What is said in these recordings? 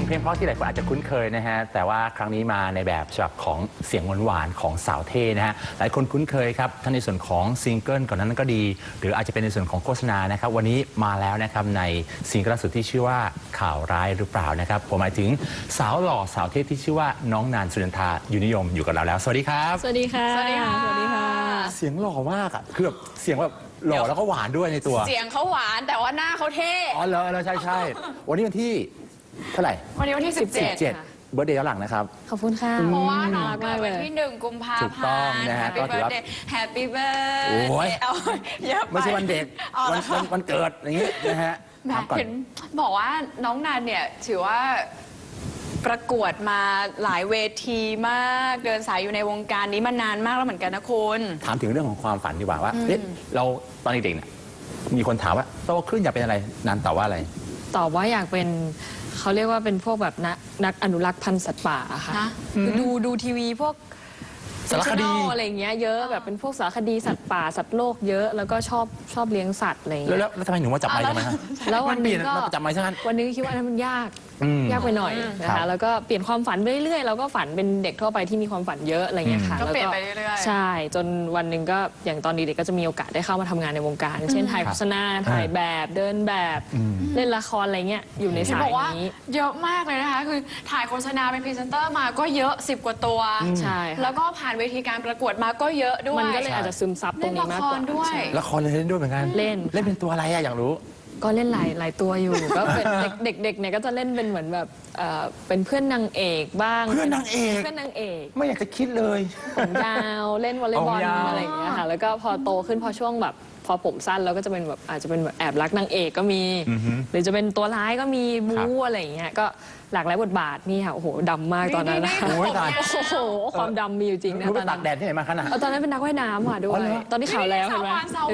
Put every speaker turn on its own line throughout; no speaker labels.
เพลงเพราะที่หลายคนอาจจะคุ้นเคยนะฮะแต่ว่าครั้งนี้มาในแบบฉบับของเสียงหวานๆของสาวเท่นะฮะหลายคนคุ้นเคยครับทั้งในส่วนของซิงเกิลก่อนนั้นก็ดีหรืออาจจะเป็นในส่วนของโฆษณานะครับวันนี้มาแล้วนะครับในซิงเกิลล่าสุดที่ชื่อว่าข่าวร้ายหรือเปล่านะครับผมหมายถึงสาวหล่อสาวเท่ที่ชื่อว่าน้องนานสุนันทาอยู่นิยมอยู่กับเราแล้วสวัสดีครับ
สวัสดีค่ะสวัสดีค่ะสวัสดีค่ะ
เสียงหล่อมากอ่ะคือแบบเสียงแบบหล่อแล้วก็หวานด้วยในตัว
เสียงเขาหวานแต่ว่าหน้าเขาเท่
อ๋อเหรอใช่วันนี้วันที่เท่าไหร่
วันนี้วันที่ 17
เบิร์ธเดย์ย้อนหลังนะครับ
ขอบคุณค่ะ
เพราะว่าน้องเกิดวันที่1 กุมภาพันธ์
ถูกต้องนะฮะก็ถือว่า
Happy Birthday เอาเยอะไป
ไม่ใช่วันเด็กวันเกิดอย่างนี้นะฮะ
เห็นบอกว่าน้องนันเนี่ยถือว่าประกวดมาหลายเวทีมากเดินสายอยู่ในวงการนี้มานานมากแล้วเหมือนกันนะคุณ
ถามถึงเรื่องของความฝันดีกว่าว่าเราตอนเด็กๆเนี่ยมีคนถามว่าโตขึ้นอยากเป็นอะไรนันตอบว่าอะไร
ตอบว่าอยากเป็นเขาเรียกว่าเป็นพวกแบบนักอนุรักษ์พันธุ์สัตว์ป่าค่ะคือดูทีวีพวก
สารคดี
อะไรอย่างเงี้ยเยอะแบบเป็นพวกสารคดีสัตว์ป่าสัตว์โลกเยอะแล้วก็ชอบเลี้ยงสัตว์อะไรอย่างเงี้ย
แล้วทำไมหนูว่าจับไมค์ทำไมฮะ
แล้ววันนี้ก็
จับไมค์ซะงั้น
วันนี้คิดว่านั้นมันยากไปหน่อยนะคะแล้วก็เปลี่ยนความฝันไปเรื่อยๆเราก็ฝันเป็นเด็กทั่วไปที่มีความฝันเยอะอะไรเงี้ยค่ะ
ก็เปลี่ยนไปเรื่อย
ๆใช่จนวันหนึ่งก็อย่างตอนนี้เด็กก็จะมีโอกาสได้เข้ามาทำงานในวงการเช่นถ่ายโฆษณาถ่ายแบบเดินแบบเล่นละครอะไรเงี้ยอยู่ในสายนี้
เยอะมากเลยนะคะคือถ่ายโฆษณาเป็นพรีเซนเตอร์มาก็เยอะ10 กว่าตัว
ใช่
แล้วก็ผ่านเวทีการประกวดมาก็เยอะด้วย
มันก็เลยอาจจะซึมซับตรงนี้มากกว่า
ละครเล่นด้วยเหมือนกัน
เล่น
เป็นตัวอะไรอะอยากรู้
ก็เล่นหลายตัวอยู่ก็เป็นเด็กๆเนี่ยก็จะเล่นเป็นเหมือนแบบเป็นเพื่อนนางเอกบ้าง
เพื่อนนางเอกไม่อยากจะคิดเลย
ผมยาวเล่นวอลเลย์บอลอะไรอย่างเงี้ยค่ะแล้วก็พอโตขึ้นพอช่วงแบบพอผมสั้นแล้วก็จะเป็นแบบอาจจะเป็นแบบแอบรักนางเอกก็มีหรือจะเป็นตัวร้ายก็มีบู๊อะไรอย่างเงี้ยก็หลากหลายบทบาทนี่ค่ะโอ้โหดำมากตอนนั้นนะโอ้โหความดำมีอยู่จริงนะ
ตอนนั้นตากแดดที่ไหนมาขนาด
ตอนนั้นเป็นนักว่ายน้ำค่ะด้วยตอนนี้ขาวแล้วเห็นไหม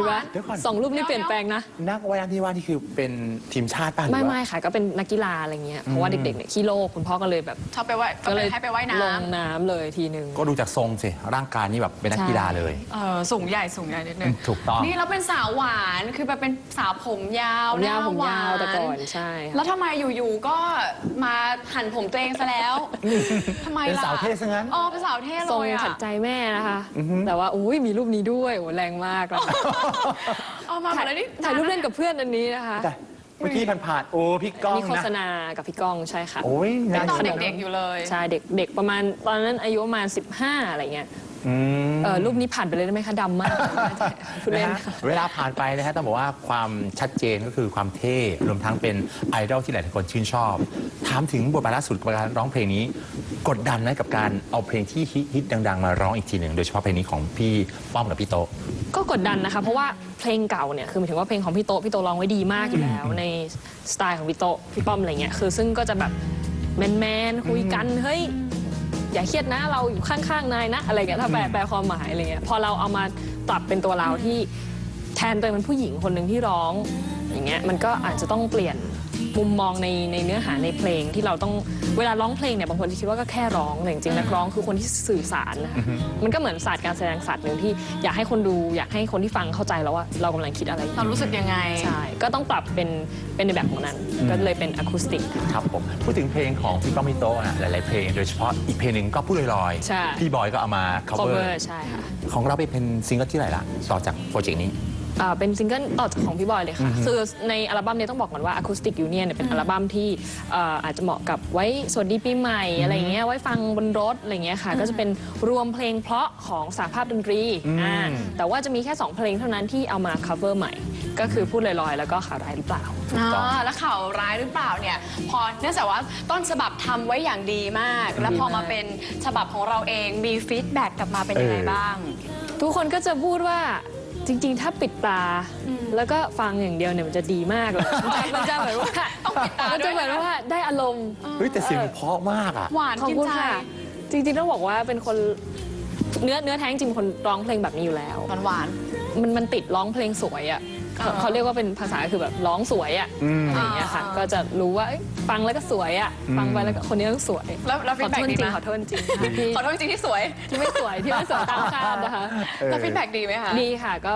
2 รูปนี่เปลี่ยนแปลงนะ
นักว่ายน้ำที่ว่านี่คือเป็นทีมชาติป่ะ
ไม่ค่ะก็เป็นนักกีฬาอะไรเงี้ยเพราะว่าเด็กๆเนี่ยขี้โลกคุณพ่อก็เลยแบบ
ชอบไปว่ายก็เลยให้ไปว่ายน้ำ
ลงน้ำเลยทีนึง
ก็ดูจากทรงสิร่างกายนี่แบบเป็นนักกีฬาเลย
สูงใหญ่นิดนึง
ถูกต้อง
นี่เราเป็นสาวหวานคือแบบเป็นสาวผมยาว
ผมยาวแต่ก่อนใช่
แล้วทำไมอยู่ๆก็มาหั่นผมตัวเองซะแล้วทำไมล่ะ
เป็นสาวเท่ซะงั้น
เป็นสาวเท่เลย
ทรงขัดใจแม่นะคะแต่ว่าอุ้ยมีรูปนี้ด้วยโอ้แรงมากเลย
เอามาแล้วนี่
ถ่ายรูปเล่นกับเพื่อนอันนี้นะคะ
เมื่อกี้ผ่านโอ้พี่ก้องนะ
มีโฆษณากับพี่ก้องใช่ค่ะ
โอ้ย
ตอนเด็กๆอยู่เลย
ใช่เด็กประมาณตอนนั้นอายุประมาณ15อะไรเงี้ยรูปนี้ผ่านไปเลยได้ไหมคะดำมาก
เวลาผ่านไปนะฮะต้องบอกว่าความชัดเจนก็คือความเท่รวมทั้งเป็นไอดอลที่หลายคนชื่นชอบถามถึงบทบาทล่าสุดการร้องเพลงนี้กดดันไหมกับการเอาเพลงที่ฮิตดังๆมาร้องอีกทีหนึ่งโดยเฉพาะเพลงนี้ของพี่ป้อมกับพี่โต
ก็กดดันนะคะเพราะว่าเพลงเก่าเนี่ยคือหมายถึงว่าเพลงของพี่โตร้องไว้ดีมากอยู่แล้วในสไตล์ของพี่ป้อมอะไรเงี้ยคือซึ่งก็จะแบบแมนคุยกันเฮ้ยอย่าเครียดนะเราอยู่ข้างๆนายนะอะไรเงี้ยถ้าแปลความหมายอะไรเงี้ยพอเราเอามาปรับเป็นตัวเราที่แทนตัวเป็นผู้หญิงคนหนึ่งที่ร้องอย่างเงี้ยมันก็อาจจะต้องเปลี่ยนมุมมองในเนื้อหาในเพลงที่เราต้องเวลาร้องเพลงเนี่ยบางคนจะคิดว่าก็แค่ร้องแต่จริงๆนักร้องคือคนที่สื่อสารนะคะมันก็เหมือนศาสตร์การแสดงศาสตร์หนึ่งที่อยากให้คนดูอยากให้คนที่ฟังเข้าใจแล้วว่าเรากำลังคิดอะไร
เรารู้สึกยังไง
ใช่ก็ต้องปรับเป็นในแบบของนั้นก็เลยเป็นอะคูสติก
ครับผมพูดถึงเพลงของพี่ป้อมพี่โตนะหลายๆเพลงโดยเฉพาะอีกเพลงหนึ่งก็พูดลอยๆพี่บอยก็เอามา cover
ใช่ค่ะ
ของเราเป็นซิงเกิลที่ไหนล่ะต่อจากโปรเจกต์นี้
เป็นซิงเกิลต่อจากของพี่บอยเลยค่ะคือในอัลบั้มนี้ต้องบอกก่อนว่า Acoustic Union เป็นอัลบั้มที่อาจจะเหมาะกับไว้สวัสดีปีใหม่อะไรเงี้ยไว้ฟังบนรถอะไรเงี้ยค่ะก็จะเป็นรวมเพลงเพราะของสหภาพดนตรีแต่ว่าจะมีแค่2เพลงเท่านั้นที่เอามา cover ใหม่ก็คือพูดลอยๆแล้วก็ข่าวร้ายหรือเปล่า
แล้วข่าวร้ายหรือเปล่าเนี่ยพอเนื่องจากว่าต้นฉบับทำไว้อย่างดีมากแล้วพอมาเป็นฉบับของเราเองมีฟีดแบ็กกลับมาเป็นยังไงบ้าง
ทุกคนก็จะพูดว่าจริงๆถ้าปิดตาแล้วก็ฟังอย่างเดียวเนี่ยมันจะดีมากเลยมันจะเหมือนว่า
ต้องปิดตา
จะเหมือนว่าได้อารมณ์
แต่เสียงเพราะมากอ่ะ
หวานกินใจ
จริงๆต้องบอกว่าเป็นคนเนื้อแท้จริงคนร้องเพลงแบบนี้อยู่แล้ว
หวาน
มันติดร้องเพลงสวยอ่ะเขาเรียกว่าเป็นภาษาคือแบบร้องสวยอ่ะอะไรอย่างเงี้ยค่ะก็จะรู้ว่าฟังแล้วก็สวยอ่ะฟังไปแล้วก็คนนี้ต้องสวย
แล้วฟีดแบ็กดีไหม
ขอโทษจริง
ขอโทษจริงที่สวย
ที่ไม่สวยตามคาดนะคะ
แล้วฟีดแบ็กดีไหมคะ
ดีค่ะก็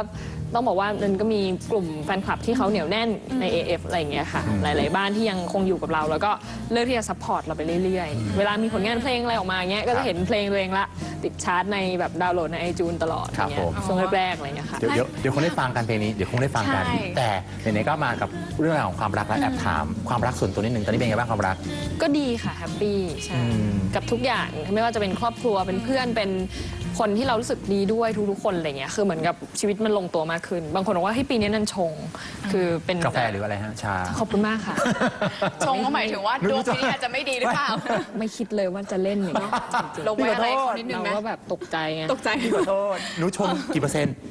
ต้องบอกว่ามันก็มีกลุ่มแฟนคลับที่เขาเหนียวแน่นใน AF อะไรอย่างเงี้ยค่ะ หลาย ๆ บ้านที่ยังคงอยู่กับเรา แล้วก็เลือกที่จะซัพพอร์ตเราไปเรื่อย ๆ เวลามีผลงานเพลงอะไรออกมาเงี้ยก็จะเห็นเพลงตัวเองละติดชาร์ตในแบบดาวน์โหลดใน iTunes ตลอดอย่างเงี้ยช่วงแรก ๆ อะไรอย่างเงี้ยค่ะ
เดี๋ยวคงได้ฟังกันเพลงนี้เดี๋ยวคงได้ฟังกัน
ใช่
แต่ไหนๆก็มากับเรื่องราวของความรักและแอบถามความรักส่วนตัวนิดหนึ่งตอนนี้เป็นไงบ้างความรัก
ก็ดีค่ะแฮปปี้ใช่กับทุกอย่างไม่ว่าจะเป็นครอบครัวเป็นเพื่อนเป็นคนที่เรารู้สึกดีด้วยทุกๆคนอะไรเงี้ยคือเหมือนกับชีวิตมันลงตัวมากขึ้น บางคนบอกว่าให้ปีนี้นันชง คือเป็น
กาแฟหรืออะไรฮะชา
ขอบคุณมากค่ะ
ชงก็หมายถึงว่าดวงปีนี้อาจจะไม่ดีหรือเปล่า
ไม่คิดเลยว่าจะเล่นอย่างนี้จริง
ลงไว้อะไรเขานิดนึง
เรา
นะ
ก็แบบตกใจไง
ตกใจ
ขอโทษหนูชงกี่เปอร์เซ็นต์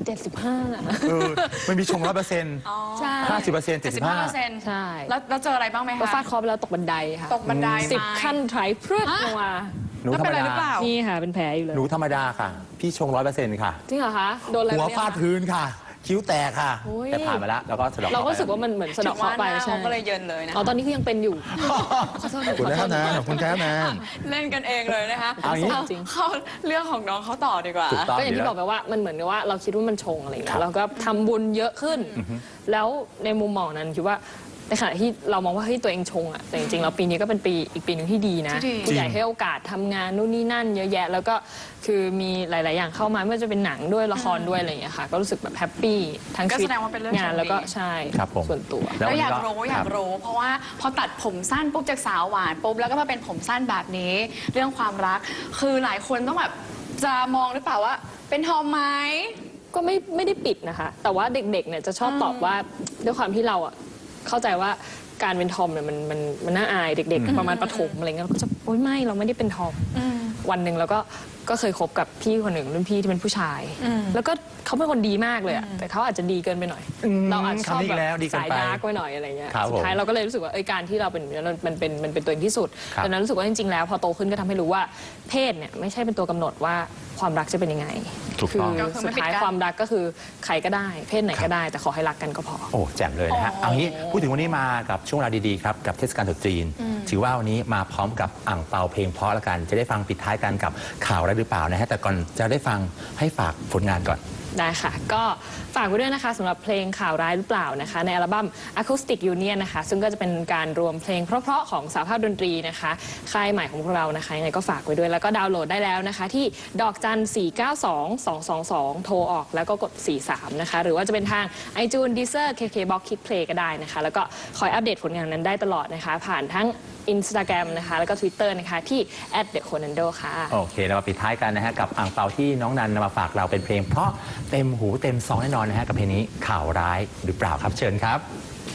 75
มันมีชง100%
ใช่
50% 75%
ใช่
แล้วเจออะไรบ้างไหม
ก็
คะ
ฟาดเคอไปแล้วตกบันไดค่ะ
ตกบันได
10 ขั้นไถพรวดลงมา
หนู
แล้ว
ธร
เป็น
รม
อะไรหรือเป
ดา
ล่า
นี่ค่ะเป็นแผลอยู่เลย
หนูธรรมดาค่ะ พี่ชง100%ค่ะ
จริงเหรอคะโดนอะไร
หัว
เนี่ย
ฟาดพื้นค่ะ คิ้วแตกค่ะ
โอ้ย
แต่ผ่านมาแล้วแล้วก็สะดอก
เราก็
ไป
รู้สึกว่ามันเหมือนสะเดอกเคราะห์ไป
ถึงว่าหน้า
ใช่
เขาก็เลยเยินเลยนะ
อ๋อตอนนี้คือยังเป็นอยู่ขอโทษ
ขอบคุณนะครับนะขอบคุณครับนะ
เล่นกันเองเลยนะคะ
เอาอย่างนี้
จริง
เขาเรื่องของน้องเขาต่อดีกว่า
ถูกต้อง
ก็อย่างที่
เดี๋ยว
บอกไปว่ามันเหมือนกับว่าเราคิดว่ามันชงอะไรอย่าง
ครั
เงี้
บ
ยเราก็ทำบุญเยอะขึ้น แล้วในมุมมองนั้นคิดว่าในขณะที่เรามองว่าเฮ้ยตัวเองชงอะแต่จริงๆแล้วปีนี้ก็เป็นปีอีกปีหนึ่งที่ดีนะ
ที่ดี
ผู้ใหญ่ให้โอกาสทำงานนู่นนี่นั่นเยอะแยะ แล้วก็คือมีหลาย ๆ อย่างเข้ามาไม่ว่าจะเป็นหนังด้วยละครด้วยอะไรอย่างเงี้ยค่ะก็รู้สึกแบบแฮปปี้ทั้ง
ก็
ชีวิ
แส
ต
ดงว่าเป็นเรื่อง
งาน
โชคดี
แล้วก็ใช่
ครับผม
ส่วนตัว
แล้ว
แล้ว
วัน
อ
นี้
ยาก
ก็
รู้อยา
ค
ก
บ
รู้ เพราะว่าพอตัดผมสั้นปุ๊บจากสาวหวานปุ๊บแล้วก็มาเป็นผมสั้นแบบนี้ เรื่องความรัก คือหลายคนต้องแบบจะมองหรือเปล่าว่า เป็นทอมไหม
ก็ไม่ได้ปิดนะคะ แต่ว่าเด็ก ๆ เนี่ยจะชอบตอบว่าด้วยความที่เราอะเข้าใจว่าการเป็นทอมเนี่ยมันน่าอายเด็กๆประมาณประถมอะไรเงี้ยเราก็จะโอ๊ยไม่เราไม่ได้เป็นทอมวันหนึ่งเราก็เคยคบกับพี่คนหนึ่งรุ่นพี่ที่เป็นผู้ชาย แล้วก็เขาเป็นคนดีมากเลยอะแต่เขาอาจจะดีเกินไปหน่อย เราอาจจะชอบ
คำนี้อี
แบ
กแล้วดี
บ
เกิน
สาย
ไป
ดาร์กไว้หน่อยอะไรเงี้ย
ครับ
สุดท้ายเราก็เลยรู้สึกว่าการที่เราเป็นมันเป็นตัวเองที่สุด
ครับ
ดังนั้นรู้สึกว่าจริงๆแล้วพอโตขึ้นก็ทำให้รู้ว่าเพศเนี่ยไม่ใช่เป็นตัวกำหนดว่าความรักจะเป็นยังไง
ถูกต้อง
คือสุดท้ายความรักก็คือใครก็ได้ เพศไหนก็ได้ แต่ขอให้รักกันก็พอ
โอ้แจ่มเลยนะฮะ เอางี้พูดถึงวันนี้มากับช่วงเวลาดีๆครับกับเทศกาลตรุษจีน ถือว่าวันนี้มาพร้อมกับอ่างเปาเพลงเพราะละกัน จะได้ฟังปิดท้ายกันกับข่าวอะไรหรือเปล่านะฮะแต่ก่อนจะได้ฟังให้ฝากผลงานก่อน
ได้ค่ะ ก็ฝากไว้ด้วยนะคะสำหรับเพลงข่าวร้ายหรือเปล่านะคะในอัลบั้ม Acoustic Union นะคะซึ่งก็จะเป็นการรวมเพลงเพราะๆของสาภาพดนตรีนะคะค่ายใหม่ของพวกเรานะคะยังไงก็ฝากไว้ด้วยแล้วก็ดาวน์โหลดได้แล้วนะคะที่ดอกจัน 492-222 โทรออกแล้วก็กด 43 นะคะหรือว่าจะเป็นทาง iTunes Deezer KKBox Kids Play ก็ได้นะคะแล้วก็คอยอัปเดตผลงานนั้นได้ตลอดนะคะผ่านทั้ง Instagram นะคะแล้วก็ Twitter นะคะที่ @theconando ค่ะ
โอเคเรามาปิดท้ายกันนะฮะกับอ่างเปาที่น้องนันนำมาฝากเราเป็นเพลงเพราะเต็มหูเต็มซองแน่นอนนะฮะกับเพลงนี้ข่าวร้ายหรือเปล่าครับเชิญครับ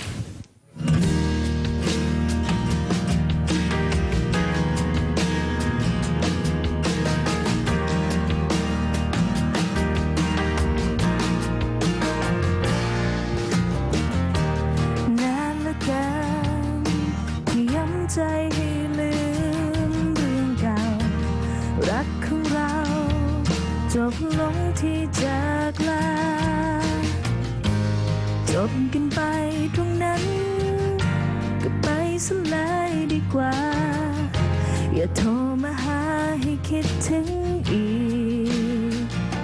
นานเหลือเกินที่ย้ำใจให้ลืมเรื่องเก่า รักของเราจบลงที่จากลาจบกันไปตรงนั้นก็ไปสลายดีกว่า อย่าโทรมาหาให้คิดถึงอีก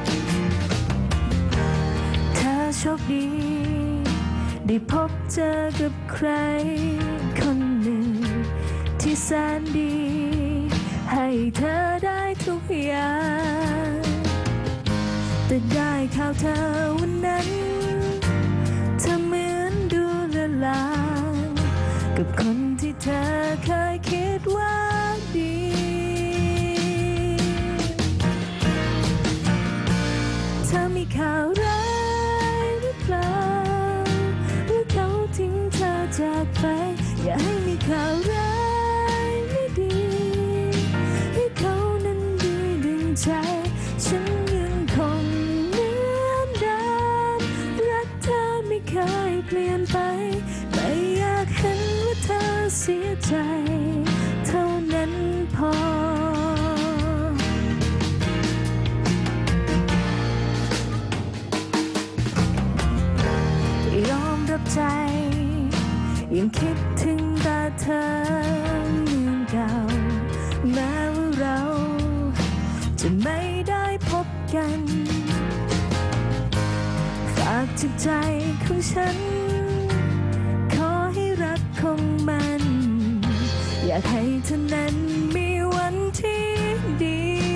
ถ้าโชคดีได้พบเจอกับใครคนหนึ่งที่แสนดี ให้เธอได้ทุกอย่างแต่ได้ข่าวเธอวันนั้นเธอเหมือนดูละลางกับคนที่เธอเคยคิดว่าดีเธอมีข่าวร้ายหรือเปล่าหรือเขาทิ้งเธอจากไปอย่าให้มีข่าวร้ายไม่ดีให้เขานั้นดีดึงใจฉันยังคงเหมือนเดิมรักเธอไม่เคยเปลี่ยนไปไม่อยากเห็นว่าเธอเสียใจเท่านั้นพอยอมรับใจยังคิดถึงแต่เธอเหมือนเก่าแม้ว่าเราจะไม่ได้พบกันฝากากจากใจของฉันขอให้รักคงมัน อยากให้เธอนั้นมีวันที่ดี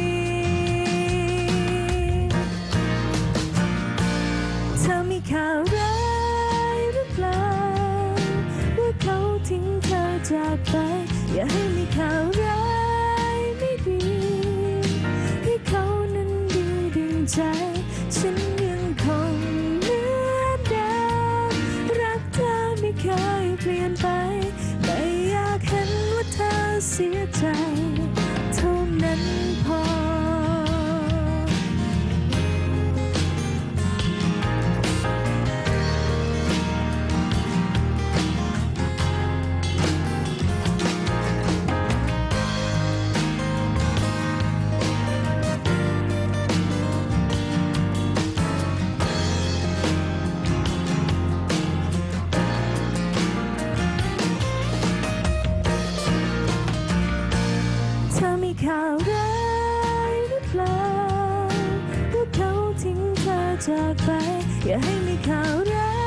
เธอมีข่าวร้ายหรือเปล่าว่าเขาทิ้งเธอจากไป อย่าให้มีข่าวร้ายไม่ดีให้เขานั้นดีดึงใจ ฉันยังคงเหมือนเดิมรักเธอไม่เคยเปลี่ยนไปไม่อยากเห็นว่าเธอเสียใจเท่านั้นพอ เธอมีข่าวร้ายหรือเปล่าว่าเขาทิ้งเธอจากไป อย่าให้มีข่าวร้า